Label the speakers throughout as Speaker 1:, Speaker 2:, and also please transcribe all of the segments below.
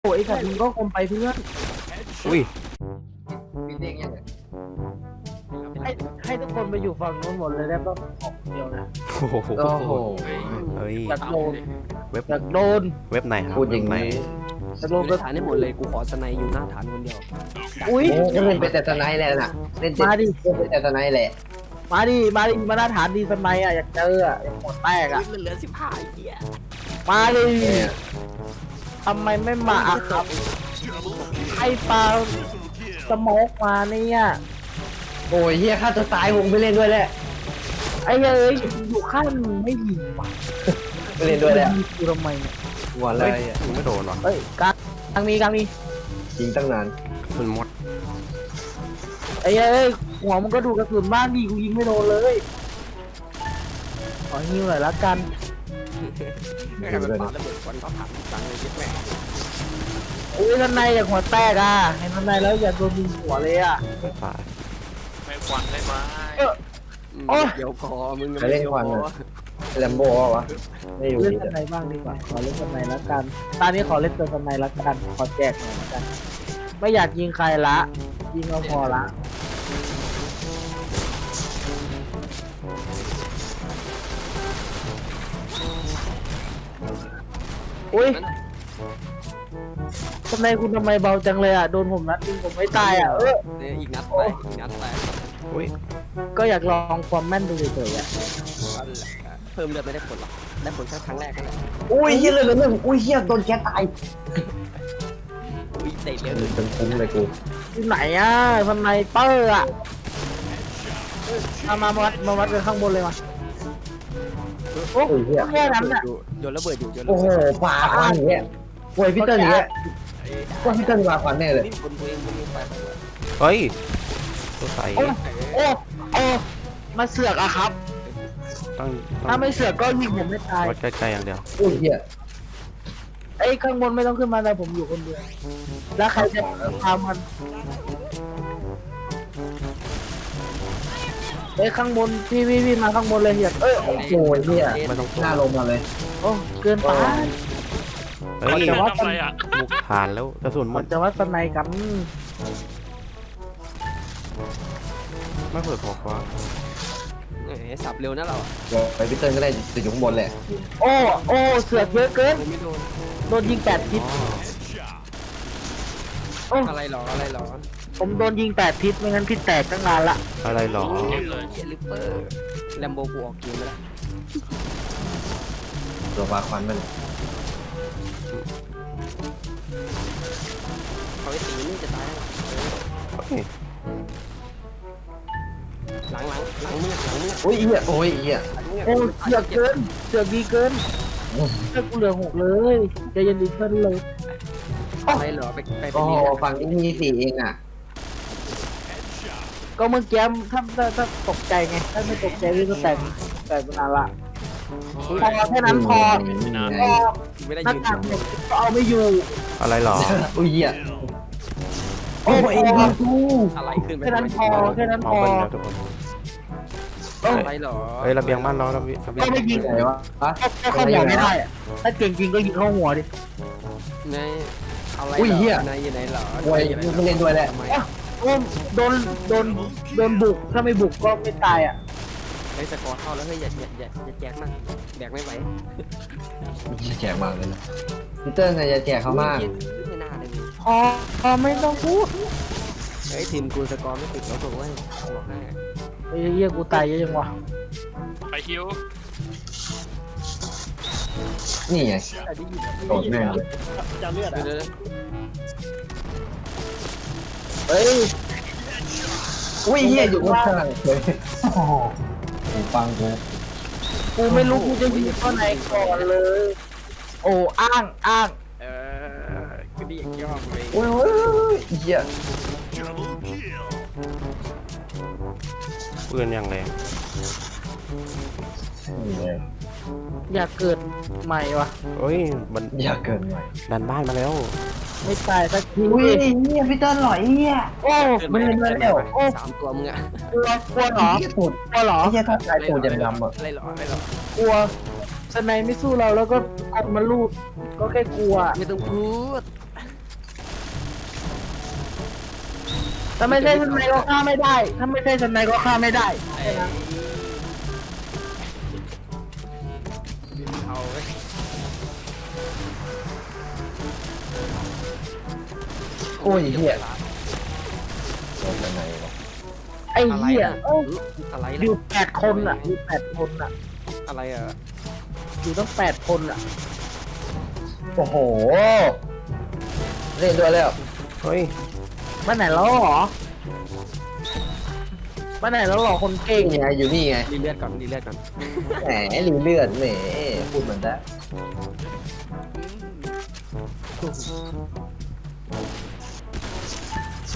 Speaker 1: โอ้ยสัตว์มึงก็คมไปเพื่อน
Speaker 2: อุ้ย
Speaker 3: พี่เด้งยังไง
Speaker 1: ให้ทุกคนไปอยู่ฝั่งนู้นหมดเลยได้ป่ะออกเดียวนะ
Speaker 2: โอ้โห
Speaker 3: โอ้โห
Speaker 2: เฮ้ย
Speaker 1: อยากโดน
Speaker 2: เว็บ
Speaker 1: อยากโดน
Speaker 2: เว็บไหนครับ
Speaker 3: พูดอย่าง
Speaker 2: เว็บไหน
Speaker 3: นี้
Speaker 1: อยากโด
Speaker 4: ดู
Speaker 1: น
Speaker 4: ใน
Speaker 1: ก็
Speaker 4: ฐานให้หมดเลยกูขอสไนอยู่หน้าฐานคนเดียว
Speaker 1: อุ้ย
Speaker 3: โอ้ก็เล่นเป็นแต่สไนด์แหละน่ะเล่น
Speaker 1: มาดิ
Speaker 3: เป็นแต่สไนด์แหละ
Speaker 1: มาดิมาหน้าฐานดีสมัยอ่ะอยากเจออ่ะอยากหมดแตกอ่ะ
Speaker 4: มันเหลือ15ไอ้เหี้ย
Speaker 1: มาดิ
Speaker 3: เนี่ย
Speaker 1: ทำไมไม่มาอ่ะครับไอ้ปลาสโมกมาเนี่ย
Speaker 3: โอ้ยเฮียฆ่าตัวตายวงไปเล่นด้วยแหละ
Speaker 1: ไอ้เอ้ยอยู่ข้างมึงไม่ยิงว่ะ
Speaker 3: ไปเล่นด้วยแหละ
Speaker 1: ยิงกูทำไมเนี่ย
Speaker 3: หัวอะไรอ่ะ
Speaker 2: ยิงไม่โดนหรอ
Speaker 1: เฮ้ยกลางมี
Speaker 3: ยิงตั้งนาน
Speaker 2: คุณมด
Speaker 1: ไอ้เอ้ยหัวมึงก็ดูกระสุนบ้างดิกูยิงไม่โดนเลยขอฮิวหน่อยละกัน
Speaker 4: ไม่ใครเป็นปาระเบิดควันเขาถามตังเลยเยอะแม่
Speaker 1: อุ้ยท่านนายอยากหัวแตกอ่ะเห็นท่านนายแล้วอยากโดนยิงหัวเลยอ่ะ
Speaker 2: ไม่ตาย
Speaker 5: ไม่ควันได้ไหม
Speaker 4: เดี๋ยวคอมึง
Speaker 3: ไปเล่นควันอ่ะแลมโบ้วะไม่อยู่
Speaker 1: เล่น
Speaker 3: นี่
Speaker 1: ท่านนายบ้างดีกว่าขอเล่นท่านนายละกันตอนนี้ขอเล่นตัวท่านนายละกันขอแจกหน่อยละกันไม่อยากยิงใครละยิงเอาพอละอุ้ยทำไมคุณทำไมเบาจังเลยอ่ะโดนผมนัดยิงผมไม่ตายอ่ะ
Speaker 4: เนี่ยอีกนัดไปอีกนัดไป
Speaker 2: อุ้ย
Speaker 1: ก็อยากลองความแม่นดูเฉยๆอ่ะ
Speaker 4: เพิ่มเลือดไม่ได้ผลหรอกได้ผลแค่ครั้งแรกนั่นแหละ
Speaker 3: อุ้ยเฮียเลยเลยอุ้ยเฮียโดนแกตาย
Speaker 4: อุ้ยเตะเร็ว
Speaker 3: เป็นคุ้มเลยกู
Speaker 1: ที่ไหนอ่ะทำไมเปอร์อ่ะมาวัดกันข้างบนเลยมาโอ้
Speaker 3: โอ้ยเฮีย
Speaker 1: แค่นั้นอ่ะ
Speaker 4: โยนระเบิดอยู่โยนระ
Speaker 3: โอ้โห
Speaker 4: เบิด
Speaker 3: ปาควันอย่างเงี้ยโวยพี่เติ้ลอย่างเงี้ยว่าพี่เติ้ลปาควันแน่เลย
Speaker 4: นี่คนตัวเองมึงไป
Speaker 2: เฮ้ยตัวใส
Speaker 1: โอ้โอ้มาเสือกอะครับ
Speaker 2: ต้อง
Speaker 1: ถ้าไม่เสือกก็ยิงผมไม่ตาย
Speaker 2: วัดใกล้ๆอย่างเดียว
Speaker 3: อุ้ยเฮีย
Speaker 1: ไอ้ข้างบนไม่ต้องขึ้นมาแต่ผมอยู่คนเดียวแล้วใครจะพามันไอ้ข้างบนพี่มาข้างบนเลยอยาก
Speaker 3: โอ้ยเฮีย
Speaker 2: ไม่ต้อง
Speaker 3: หน้าลงมาเลย
Speaker 1: โอ้เกินไป
Speaker 2: เฮ้ย
Speaker 1: แต่ว่า
Speaker 5: ทำอะไรอ่ะ
Speaker 2: บุกผ่านแล้วกระสุนหม
Speaker 1: มั
Speaker 2: ด
Speaker 1: นจะวัดสนายกัน
Speaker 2: ไม่เปิดพอกว่า
Speaker 4: สับเร็วนะเรา
Speaker 3: ไปพี่เติ้ลก็ได้จะอยู่ข้างบนแหละ
Speaker 1: โอ้เสือกเยอะเกิน
Speaker 4: ไม่โดน
Speaker 1: โดนยิง8 ทิศโอ้
Speaker 4: อะไรหรออะไรหรอ
Speaker 1: ผมโดนยิง8 ทิศไม่งั้นพี่แตกตั้งนานละ
Speaker 2: อะไรหรอ
Speaker 4: เฮียลิปเปอร์แลมโบกูออกเกมไปแล้ว
Speaker 3: ตัวปาควันมัน
Speaker 4: เขาไอ้ตีนี่จะตาย
Speaker 2: เฮ้ย
Speaker 4: หลังมือ
Speaker 3: อุ้ยเฮียโอ้ยเฮีย
Speaker 1: โอ้เสือกเกินเสือกดีเกินเสือกกูเหลือ6เลยใจเย็นดีขึ้นเลย
Speaker 4: อะไรเหรอไป
Speaker 3: โอ้
Speaker 4: นี่
Speaker 3: ฝั่งนี้มี4เองอ่ะ
Speaker 1: ก็เมื่อกี้ถ้าตกใจไงถ้าไม่ตกใจพี่ก็แตกไปนานละพอแค่นั้นพอ
Speaker 4: ไม่ได้
Speaker 1: หน้า
Speaker 4: ยืน
Speaker 1: ต่างเนี่ยก็เอาไม่อยู่
Speaker 2: อะไรหรอ
Speaker 3: อุ้ยเฮีย
Speaker 1: โอ้ย
Speaker 4: อะไรขึ้นไป
Speaker 1: แค่นั้นพอแค่นั้น
Speaker 2: ม
Speaker 1: พ
Speaker 2: อง
Speaker 1: อ
Speaker 2: เบิ้ลแล้วทุกคน
Speaker 4: อะไรเหรอ
Speaker 2: เฮ้ยระเบียงบ้านเราระเบียง
Speaker 1: ก็ไม่ยิง
Speaker 3: ไหนวะฮะ
Speaker 1: ก็เข้าหัวไม่ได้อะถ้าเก่งจริงก็ยิงเข้าหัวดิ
Speaker 4: ในอะไร
Speaker 3: อุ้ยเฮีย
Speaker 4: ในอยู่ไหนเหรอ
Speaker 3: โอ้ยไม่เล่นด้วยแหละ
Speaker 4: ทำไม
Speaker 1: โอ้โดนบุกถ้าไม่บุกก็ไม่ตายอ่ะ
Speaker 4: ไอ้สกอร์เข้าแล้วเฮ้ยอย่าแจกมากแบกไม่ไหว
Speaker 3: แจกมากเลยนะพี่เติ้ลจะแจกเขามาก
Speaker 4: ไม่น่าเลย
Speaker 1: พอไม่ต้องพูด
Speaker 4: เฮ้ยทีมกูสกอร์ไม่ติดแล้วถูกไหมบอกให้
Speaker 1: ไอ้เหี้ยกูตายเยอะจังวะ
Speaker 5: ไปคิว
Speaker 3: นี่ไงโดดแม่ง
Speaker 1: จะเลือด
Speaker 4: เดี๋ยว
Speaker 1: เฮ้ย
Speaker 3: อุ้ยเฮียอยู่ข้างๆเลยโอ้โหฟังกู
Speaker 1: กูไม่รู้กูจะยิงข้อไหนก่อนเลย โอ้อ้าง
Speaker 4: ก็ดีอย่างยอดเลย
Speaker 3: โอ้ยเฮีย
Speaker 2: ปืนอย่างแรง
Speaker 1: อยากเกิดใหม่วะ
Speaker 2: เฮ้ยมัน
Speaker 3: อย่าเกินไป
Speaker 2: ดันบ้านมาแล้ว
Speaker 1: ไม่ตายสักที
Speaker 3: อุ้ยเฮียพี่เติ้ลหล่อยเฮีย
Speaker 1: โอ้ไม่เห็นมาแล้วโอ้
Speaker 4: 3 ตัวมึงอะ
Speaker 1: กลัวเหรอ
Speaker 3: เฮียตูด
Speaker 1: กลัวเหรอ
Speaker 3: เฮียถ้าตายตูดจะดำอ่ะ
Speaker 4: อะไรหรอก
Speaker 1: ลัวสไนไม่สู้เราแล้วก็กดมาลูดก็แค่กลัว
Speaker 4: ไม่ต้องพูด
Speaker 1: ถ้าไม่ใช่สไนก็ฆ่าไม่ได้ ถ้าไม่ใช่สไนก็ฆ่าไม่ได้
Speaker 4: เอาไว้
Speaker 3: โอ้ยเหี้ยโดนยังไงวะ
Speaker 1: ไอ้เหี้ยเอ้ย
Speaker 4: อะไร
Speaker 1: อ
Speaker 4: ล่ะ
Speaker 1: ยู่8 คนอ่ะอยู่8 คนอ่ะ
Speaker 4: อะไรอ่ะ
Speaker 1: อยู่ตั้ง8 คนอ่ะ
Speaker 3: โอ้โหเล่นด้วยแล้ว
Speaker 2: เฮ้ย
Speaker 1: ไปไหนแล้วหรอไปไหนแล้วหรอคนเก่ง
Speaker 3: นี่ไงอยู่นี่ไง
Speaker 4: รีเลือดก่อนรีเลือดก่อน
Speaker 3: แหมรีเลือดแหมพูดเหมือนได้
Speaker 2: โอ้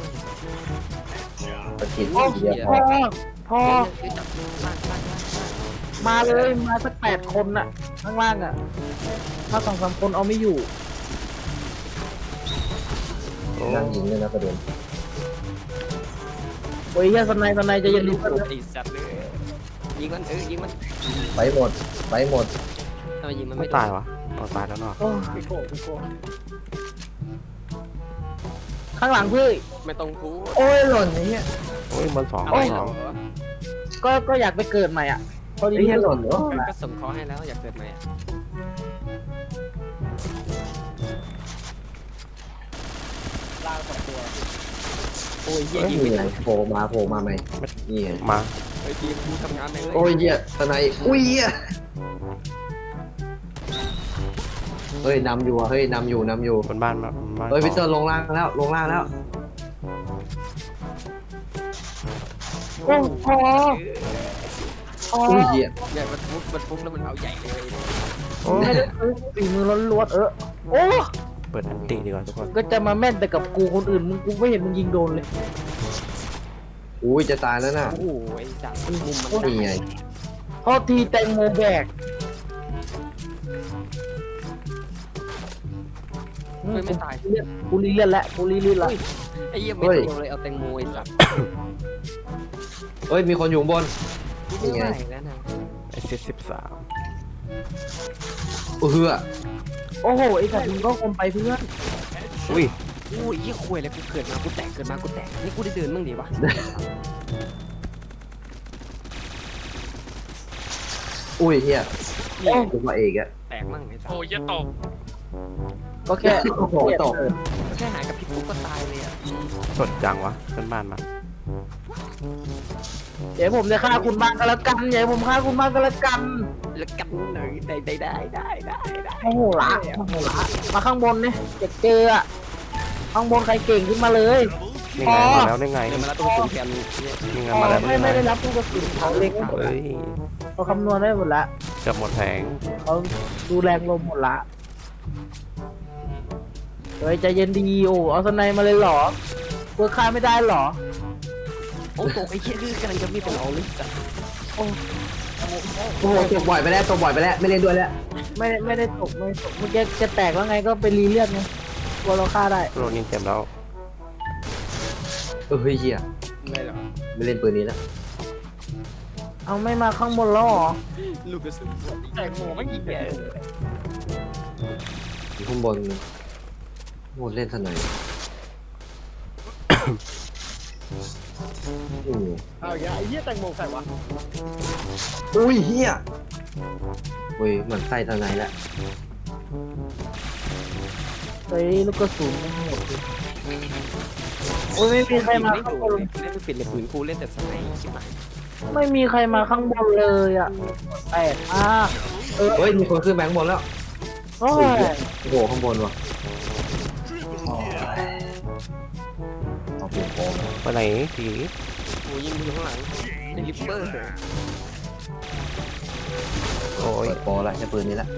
Speaker 3: ประทิน
Speaker 1: โอ้
Speaker 3: เดียว
Speaker 1: พอพอ
Speaker 4: เฮ้ยจับลาก
Speaker 1: มาเลยมาสัก8 คนอ่ะ ข้างล่างอ่ะ ถ้า2-3 คนเอาไม่อยู่
Speaker 2: โอ้
Speaker 3: นั่งยิงเลยนะประเด็น
Speaker 1: โอ้ยเหี้ยสไนจะยันรู้
Speaker 4: ไอ้สัตว์เลยยิงมันยิงมัน
Speaker 3: ไปหมดไปหมด
Speaker 4: ทำไมยิงมัน
Speaker 2: ไม่
Speaker 4: ไม่
Speaker 2: ตายวะเอาตายแล้วเนาะ
Speaker 1: โอ้ข้างหลังพี่
Speaker 4: ไม่ต้องพูด
Speaker 3: โอ้ยหล่นไอ้เหี้ย
Speaker 2: โอ้ยมันสอง
Speaker 4: อะไร
Speaker 2: มัน
Speaker 4: เห
Speaker 2: ส
Speaker 4: ร
Speaker 2: อ
Speaker 4: อง
Speaker 1: ก็อยากไปเกิดใหม่อ่ะพอดี
Speaker 3: ไอ้เหี้ยหล่นเหรอ
Speaker 4: ก็ส่งเขาให้แล้วอยากเกิดใหม่
Speaker 1: ล่าง2 ตัว
Speaker 4: โอ้ยเหี้ย
Speaker 3: เฮ้ย
Speaker 4: ยิง
Speaker 3: นี่
Speaker 4: ไม่
Speaker 3: ไง
Speaker 4: ทัน
Speaker 3: โผล่มาไหมนี่ไง
Speaker 2: มา
Speaker 4: เฮ้ยทีมกูทำงานเลย
Speaker 3: โอ้ยเหี้ยสไนอุ้ยเหี้ยเฮ้ยนำอยู่อ่ะเฮ้ยนำอยู่
Speaker 2: บนบ้านมาบนบ้าน
Speaker 3: เฮ้ย
Speaker 2: ส
Speaker 3: พิ
Speaker 2: อง
Speaker 3: เตอร์ลงล่างแล้ว
Speaker 1: โอ้พอพอ
Speaker 3: อุ้ยเหี้ย
Speaker 4: เนี่ยมันฟุกแล้วมันเอาใหญ่เลย
Speaker 2: โอ้
Speaker 1: ไม่ได้ซื้อฝีมือล้วนๆโอ้
Speaker 2: เปิดอันติดีกว่าทุกคน
Speaker 1: ก็จะมาแม่นแต่กับกูคนอื่นมึงกูไม่เห็นมึงยิงโดนเลย
Speaker 3: อุ้ยจะตายแล้วน่ะ
Speaker 4: โอ้โหไอ้สัตว์มุมมัน
Speaker 3: นี่ไง
Speaker 1: พอทีแตงโมแบก
Speaker 4: ไม่ตาย
Speaker 1: กูรีเลียนแล้วกูรีเลียนแล้ว
Speaker 4: ไอ้เหี้ยไม่เดียวเลยเอาแตงโมไอ้สัตว์
Speaker 3: เฮ้ยมีคนอยู่ข้างบน
Speaker 4: ไม่ไหวแล้วนะ
Speaker 2: ไอเซต13
Speaker 3: เฮือ
Speaker 1: โอ้โหไอ้สัตว์มึงก็คมไปเพื่อน
Speaker 2: อุ้ย
Speaker 4: โอ้ยเหี้ยคุยเลยกูเกิดมากูแตกนี่กูได้เดินมั่งดิวะ
Speaker 3: อุ้ยเหี้ย
Speaker 4: นี่
Speaker 3: กูมาเอกอะ
Speaker 4: แตกมั่งไอ้สัต
Speaker 5: โอ้
Speaker 4: ว์
Speaker 5: ยเหี้ยตก
Speaker 1: ก็แค่
Speaker 3: โอ้โหตก
Speaker 4: แค่หายกับพี่ปุ๊กก็ตายเลยอ่ะ
Speaker 2: สดจังวะขึ้นบ้านมา
Speaker 1: เดี๋ยวผมจะฆ่าคุณบ้างก็แล้วกันเดี๋ยวผมฆ่าคุณบ้างก็แล้วกัน
Speaker 4: แล้วกันหน่อยได้
Speaker 1: โอ้โหละมาข้างบนเนี่ยจะเจออะข้างบนใครเก่งขึ้นมาเลย
Speaker 2: นี่ไงมาแล้วนี่ไง
Speaker 4: เนี่ยมาแล้วตรงศูนย์แทนเนี่ย
Speaker 2: นี่ไง
Speaker 1: อ๋อ
Speaker 2: มาแล้ว
Speaker 1: ไม่ได้รับลูกกระสุนเขาเล็ง
Speaker 2: เฮ้ย
Speaker 1: เขาคำนวณได้หมดละ
Speaker 2: เกือบหมดแผง
Speaker 1: เขาดูแรงลมหมดละเฮ้ยใจเย็นดีโอ้เอาสไนมาเลยเหรอเพื่อฆ่าไม่ได้เหรอ
Speaker 4: โอ้ตกไอ้เหี้ยคือกำลังจะมีเป็นเอาเลยสัตว์
Speaker 3: โอ้โหตกบ่อยไปแล้วไม่เล่นด้วยแล้ว
Speaker 1: ไม่ได้ตกไม่ตกเมื่อกี้จะแตกแล้วไงก็ไปรีเลียดไงกลัวเราฆ่าได้
Speaker 2: โรนินเต็มแล้ว
Speaker 3: เฮ้ยเหี้ย
Speaker 4: ไม่หรอ
Speaker 3: ไม่เล่นปืนนี้แล้ว
Speaker 1: เอาไม่มาข้างบนแล้วเหรอ
Speaker 4: ลูกกระสุนแตงโมไม่ยิงแก
Speaker 3: อยู่ข้างบนโอ้เล่นเท่าไหร่อืม
Speaker 4: เอาอย่างไอ้เหี้ยแตงโมใครวะ
Speaker 3: อุ้ยเหี้ยอุ้ยเหมือนไส้เท่าไหร่แล้ว
Speaker 1: เฮ้ยลูกกระสุนไม่หมดเลยโอ้ยไม่มีใครมาข้างบน
Speaker 4: เล่นไม่เป็นเลยปืนกูเล่นแต่สไนใช่ไหม
Speaker 1: ไม่มีใครมาข้างบนเลยอ่ะแปลกมากเออ
Speaker 3: เฮ้ยมีคนขึ้นแบงค์บนแล้ว
Speaker 1: โอ้ย
Speaker 3: โอ้โหข้างบนว่ะเอาปืนโกง
Speaker 2: ไปไหนผี
Speaker 4: กูยิงอยู่ข้างหลังไอ้ลิปเปอร์
Speaker 2: โอ้ย
Speaker 3: เปิดโปรละใช้ปืนนี้ละ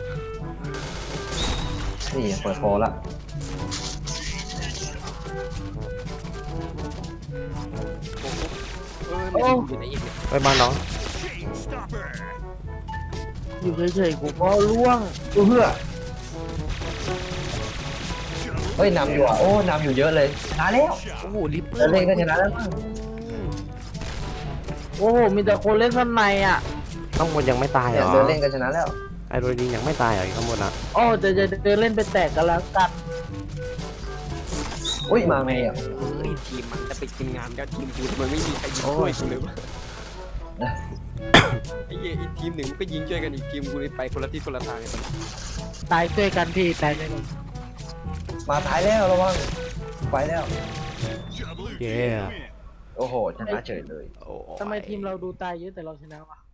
Speaker 3: นี่เปิดโปรละ
Speaker 4: ไม่ได้อยู่ในอีกเนี่ย
Speaker 2: ไปบ้านน้อง
Speaker 1: อยู่เฉยๆกูก็ล่วง
Speaker 3: เพื่อเฮ้ยนำอยู่อ่ะโอ้นำอยู่เยอะเลยชนะแล้ว
Speaker 4: โอ้โหลิปเปอ
Speaker 3: แล้ว
Speaker 4: ร์
Speaker 3: เล่นก็ชนะแล้วมั้ง
Speaker 1: โอ้โหมีแต่คนเล่นสไนอ่ะ
Speaker 2: ข้างบนยังไม่ตายเหร
Speaker 3: เนี่ย
Speaker 2: อ
Speaker 3: เดินเล่นก็ชนะแล้ว
Speaker 2: ไอโรนินยังไม่ตายเหรอข้างบนนะ
Speaker 1: โอ้จะเดินเล่นไปแตกกันแล้วกัน
Speaker 3: อุ้ยมาไงอ่ะ
Speaker 4: เฮ้ยทีมมันจะไปทีมงานแล้วทีมกูทำไมไม่มีใครยิงช่วยกูเลยวะไอ้เหี้ยอีกทีมหนึ่งมันก็ยิงช่วยกันอีกทีมกูเลยไปคนละทิศคนละทางเลย
Speaker 1: ตายช่วยกันพี่ตายช่วยกัน
Speaker 3: มาตายแล้วระวังไปแล้ว
Speaker 2: เย้
Speaker 3: โอ้โหชนะเฉยเลย
Speaker 4: โอ้
Speaker 1: ทำไมทีมเราดูตายเยอะแต่เราชนะวะ